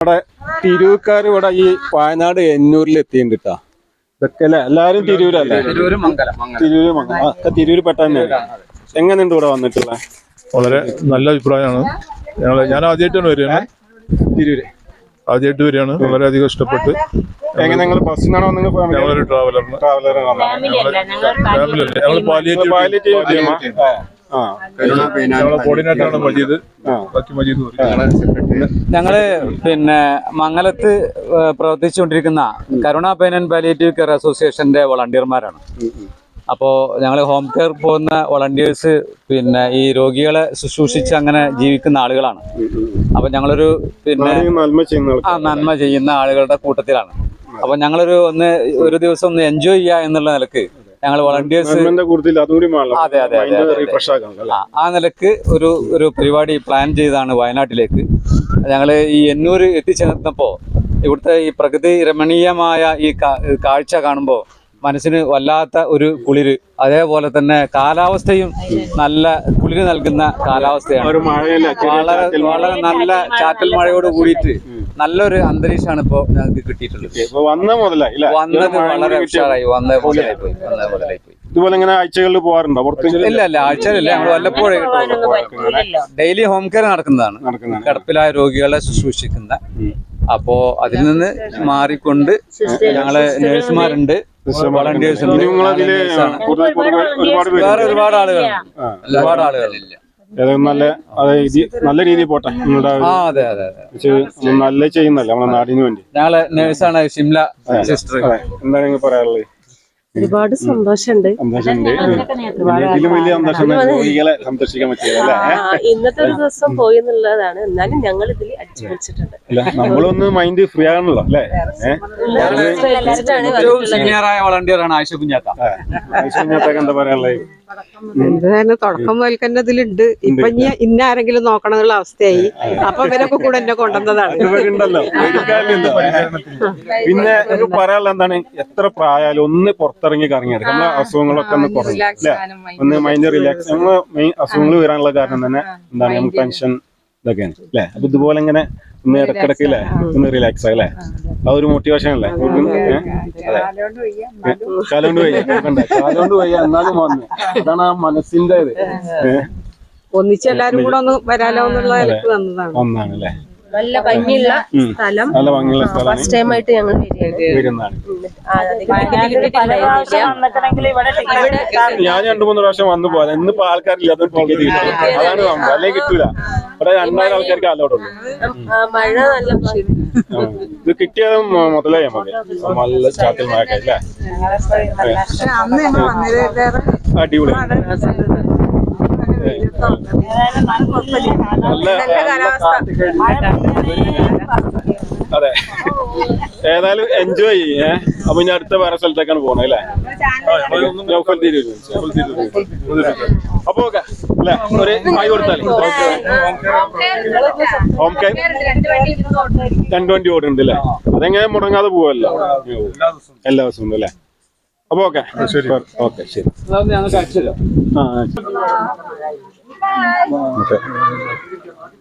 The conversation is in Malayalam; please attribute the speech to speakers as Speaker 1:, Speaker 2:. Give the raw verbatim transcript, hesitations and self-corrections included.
Speaker 1: ഇവിടെ തിരൂർക്കാർ ഇവിടെ ഈ വയനാട് എന്നൂരിൽ എത്തിയിട്ടുണ്ട് കേട്ടോ. ഇതൊക്കെ അല്ലേ എല്ലാരും തിരൂരല്ലേ? തിരൂര് തിരൂര് മംഗലം ഒക്കെ തിരൂര് പെട്ടെന്ന്. എങ്ങനെയുണ്ട് ഇവിടെ വന്നിട്ടുള്ള?
Speaker 2: വളരെ നല്ല അഭിപ്രായമാണ്. ഞങ്ങള് ഞാൻ ആദ്യമായിട്ടാണ് വരികയാണ്
Speaker 1: തിരൂര്,
Speaker 2: ആദ്യമായിട്ട് വരികയാണ്. വളരെയധികം ഇഷ്ടപ്പെട്ട്.
Speaker 1: എങ്ങനെ നിങ്ങൾ ബസ്സിനാണോ?
Speaker 2: ഞങ്ങളൊരു ട്രാവലറിന് ഫാമിലി ഞങ്ങൾ പാലിയേറ്റീവ് കോർഡിനേറ്ററാണ് മജീദ്. ബാക്കി മജീദ്
Speaker 3: ഞങ്ങള് പിന്നെ മംഗലത്ത് പ്രവർത്തിച്ചുകൊണ്ടിരിക്കുന്ന Karuna pain and palliative care അസോസിയേഷന്റെ വളണ്ടിയർമാരാണ്. അപ്പോൾ ഞങ്ങൾ ഹോം കെയർ പോകുന്ന വളണ്ടിയേഴ്സ് പിന്നെ ഈ രോഗികളെ ശുശ്രൂഷിച്ച് അങ്ങനെ ജീവിക്കുന്ന ആളുകളാണ്. അപ്പൊ ഞങ്ങളൊരു പിന്നെ ആ നന്മ ചെയ്യുന്ന ആളുകളുടെ കൂട്ടത്തിലാണ്. അപ്പൊ ഞങ്ങളൊരു ഒന്ന് ഒരു ദിവസം ഒന്ന് എൻജോയ് ചെയ്യുക എന്നുള്ള നിലക്ക് ഞങ്ങൾ വളണ്ടിയേഴ്സ് അതെ അതെ ആ നിലക്ക് ഒരു ഒരു പരിപാടി പ്ലാൻ ചെയ്താണ് വയനാട്ടിലേക്ക് ഞങ്ങൾ ഈ എന്നൂർ എത്തിച്ചേർന്നപ്പോൾ ഇവിടുത്തെ ഈ പ്രകൃതി രമണീയമായ ഈ കാഴ്ച കാണുമ്പോൾ മനസ്സിന് വല്ലാത്ത ഒരു കുളിര്, അതേപോലെ തന്നെ കാലാവസ്ഥയും നല്ല കുളിര് നൽകുന്ന കാലാവസ്ഥയാണ്. വളരെ വളരെ നല്ല ചാറ്റൽ മഴയോട് കൂടിയിട്ട് നല്ലൊരു അന്തരീക്ഷമാണ് ഇപ്പോൾ ഞങ്ങൾക്ക് കിട്ടിയിട്ടുള്ളത്. വന്നത് വളരെ ഉഷാറായി വന്ന മുതലായി പോയി വന്ന മുതലായി പോയി
Speaker 1: ഇതുപോലെ ഇങ്ങനെ ആഴ്ചകളിൽ പോകാറുണ്ടോ?
Speaker 3: ഇല്ല ഇല്ല ആഴ്ചകളില്ല, ഞങ്ങൾ വല്ലപ്പോഴും ഡെയിലി ഹോം കെയർ നടക്കുന്നതാണ്, കിടപ്പിലായ രോഗികളെ ശുശ്രൂഷിക്കുന്ന. അപ്പോ അതിൽ നിന്ന് മാറിക്കൊണ്ട് ഞങ്ങളെ നേഴ്സുമാരുണ്ട്, വളണ്ടിയേഴ്സ് ഉണ്ട്, വേറെ ഒരുപാട് ആളുകൾ ഒരുപാട് ആളുകളില്ല.
Speaker 1: നല്ല നല്ല രീതിയിൽ പോട്ടെ.
Speaker 3: ആ അതെ അതെ അതെ
Speaker 1: നല്ല ചെയ്യുന്നല്ലേ നമ്മളെ നാടിന് വേണ്ടി.
Speaker 3: ഞങ്ങളെ നേഴ്സാണ് ഷിംല സിസ്റ്റർ.
Speaker 1: എന്താണ് നിങ്ങൾ പറയാനുള്ളത്?
Speaker 4: ഒരുപാട് സന്തോഷമുണ്ട്. ഇന്നത്തെ ഒരു ദിവസം പോയി എന്നുള്ളതാണ്. എന്നാലും ഞങ്ങൾ ഇതിൽ അടിച്ചു പൊളിച്ചിട്ടുണ്ട്.
Speaker 1: നമ്മളൊന്ന് മൈൻഡ് ഫ്രീ ആണല്ലോ അല്ലേ?
Speaker 3: വളണ്ടിയറാണ് ആയിഷ കുഞ്ഞാത്ത.
Speaker 1: ആയിഷ കുഞ്ഞാത്തക്ക് എന്താ പറയാനുള്ളത്?
Speaker 5: എന്തായാലും തുടക്കം മുതൽക്കന്നെ ഇതിലുണ്ട്. ഇപ്പൊ ഇനി ഇന്ന ആരെങ്കിലും നോക്കണം എന്നുള്ള അവസ്ഥയായി. അപ്പൊ ഇവരൊക്കെ കൂടെ എന്നെ കൊണ്ടുവന്നതാണ്.
Speaker 1: പിന്നെ പറയാനുള്ള എന്താണ്, എത്ര പ്രായാലും ഒന്ന് പുറത്തിറങ്ങി കറങ്ങിയെടുക്കും. നമ്മളെ അസുഖങ്ങളൊക്കെ ഒന്ന് കുറഞ്ഞു അല്ലെ, ഒന്ന് മൈൻഡ് റിലാക്സ്. നമ്മള് മെയിൻ അസുഖങ്ങൾ വരാനുള്ള കാരണം തന്നെ എന്താണ്, നമുക്ക് ടെൻഷൻ ഇതൊക്കെയാണ് അല്ലെ. അപ്പൊ ഇതുപോലെ ഇങ്ങനെ ഒന്ന് ഇടക്കിടക്ക് അല്ലേ ഒന്ന് റിലാക്സ് ആയി അല്ലേ, ആ ഒരു മോട്ടിവേഷൻ അല്ലേ. കാലോണ്ട് വയ്യ കാലോണ്ട് വയ്യ എന്നാലും വന്നു. അതാണ് ആ മനസ്സിന്റെ ഇത്.
Speaker 5: ഒന്നിച്ച് എല്ലാരും കൂടെ ഒന്ന് വരാലോ എന്നുള്ള വന്നതാണ്
Speaker 1: ഒന്നാണ് അല്ലേ.
Speaker 4: നല്ല ഭംഗിയുള്ള സ്ഥലം,
Speaker 1: നല്ല ഭംഗിയുള്ള സ്ഥലം.
Speaker 4: ഫസ്റ്റ് ടൈം ആയിട്ട് ഞങ്ങൾ
Speaker 1: വരുന്നതാണ്. ഞാൻ രണ്ടു മൂന്ന് പ്രാവശ്യം വന്നു പോകാൻ. ഇന്നിപ്പോ ആൾക്കാരില്ല, അതൊരു ടിക്കറ്റ് കിട്ടും. അതാണ് സംഭവം, അല്ലെങ്കിൽ കിട്ടൂല. ഇവിടെ രണ്ടായിരം ആൾക്കാർക്ക് അലോടുള്ളൂ.
Speaker 4: മഴ നല്ല
Speaker 1: ഇത് കിട്ടിയത് മുതലായി നമുക്ക് നല്ല ചാറ്റൽ മഴയൊക്കെ അല്ലേ. അടിപൊളി അതെ. ഏതായാലും എൻജോയ് ചെയ്യേ. അപ്പൊ ഇനി അടുത്ത വേറെ സ്ഥലത്തേക്കാണ് പോണേ അല്ലേ. അപ്പൊ ഓക്കെ അല്ലെ, ഒരു ആയി കൊടുത്താൽ ഹോം കെയർ രണ്ട് വണ്ടി ഓടുന്നുണ്ട് അല്ലേ. അതെങ്ങനെ മുടങ്ങാതെ പോവല്ലോ എല്ലാ ദിവസവും ഉണ്ട് അല്ലേ. അപ്പൊ ഓക്കെ ഓക്കെ ശരി.
Speaker 3: ഞങ്ങൾക്ക് അടിച്ചല്ലോ.
Speaker 1: ആ ഓക്കെ.